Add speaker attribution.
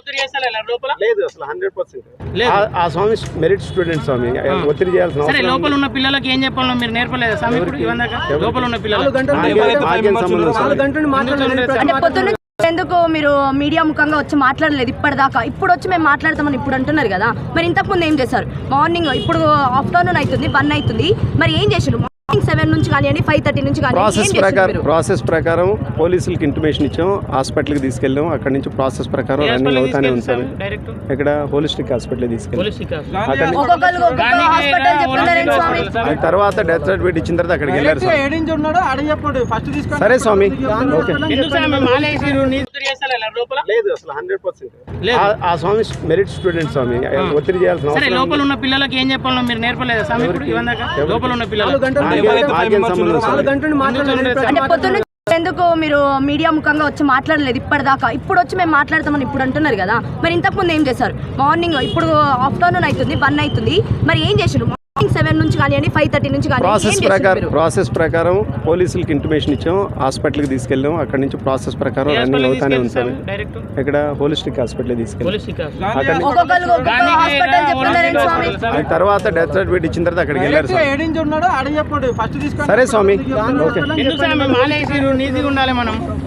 Speaker 1: లేదు అసలు 100% ఆ స్వామి మెరిట్ స్టూడెంట్ స్వామి ఒత్తిడి చేయాల్సిన
Speaker 2: సరే లోపల ఉన్న పిల్లలకి ఏం చెప్పాలో మీరు నేర్పలేదా స్వామి ఇప్పుడు ఇవందాక లోపల ఉన్న పిల్లలు
Speaker 3: అంటే పొద్దున్న ఎందుకు మీరు మీడియా ముఖంగా వచ్చి మాట్లాడలేదు ఇప్పటిదాకా? ఇప్పుడు వచ్చి మేము మాట్లాడతామని ఇప్పుడు అంటున్నారు కదా, మరి ఇంతకు ముందు ఏం చేశారు? మార్నింగ్ ఇప్పుడు ఆఫ్టర్నూన్ అవుతుంది 1 అవుతుంది, మరి ఏం చేశారు? మార్నింగ్ 7 నుంచి కానివ్వండి 5:30 నుంచి
Speaker 1: ప్రాసెస్ ప్రకారం పోలీసులకి ఇంటిమేషన్ ఇచ్చాం, హాస్పిటల్కి తీసుకెళ్ళాం, అక్కడ నుంచి ప్రాసెస్ ప్రకారం రన్నింగ్ అవుతానే ఉంటాం. ఇక్కడ హోలిస్టిక్ హాస్పిటల్ తీసుకెళ్ళాం, తర్వాత డెత్ సర్టిఫికేట్ ఇచ్చిన తర్వాత అక్కడికి వెళ్ళారు. సరే స్వామి లేదు అసలు 100% ఆ స్వామి మెరిట్ స్టూడెంట్ స్వామి ఒత్తిడి చేయాల్సిన
Speaker 2: సరే లోపల ఉన్న పిల్లలకి ఏం చెప్పాలో మీరు నేర్పలేదా స్వామి ఇప్పుడు ఇవందాక లోపల ఉన్న పిల్లలు
Speaker 3: అంటే పొద్దున్న ఎందుకు మీరు మీడియా ముఖంగా వచ్చి మాట్లాడలేదు ఇప్పటిదాకా? ఇప్పుడు వచ్చి మేము మాట్లాడతామని ఇప్పుడు అంటున్నారు కదా, మరి ఇంతకు ముందు ఏం చేశారు? మార్నింగ్ ఇప్పుడు ఆఫ్టర్నూన్ అవుతుంది 1 అవుతుంది, మరి ఏం చేశారు? మార్నింగ్ 7 నుంచి కానివ్వండి 5:30 నుంచి
Speaker 1: ప్రాసెస్ ప్రకారం పోలీసులకి ఇంటిమేషన్ ఇచ్చాం, హాస్పిటల్కి తీసుకెళ్ళాం, అక్కడ నుంచి ప్రాసెస్ ప్రకారం రన్నింగ్ అవుతానే ఉంటాం. ఇక్కడ హోలిస్టిక్ హాస్పిటల్ తీసుకెళ్ళాం, తర్వాత డెత్ సర్టిఫికేట్ ఇచ్చిన తర్వాత అక్కడికి వెళ్ళారు. సరే స్వామి
Speaker 2: నీతిగా ఉండాలి మనం.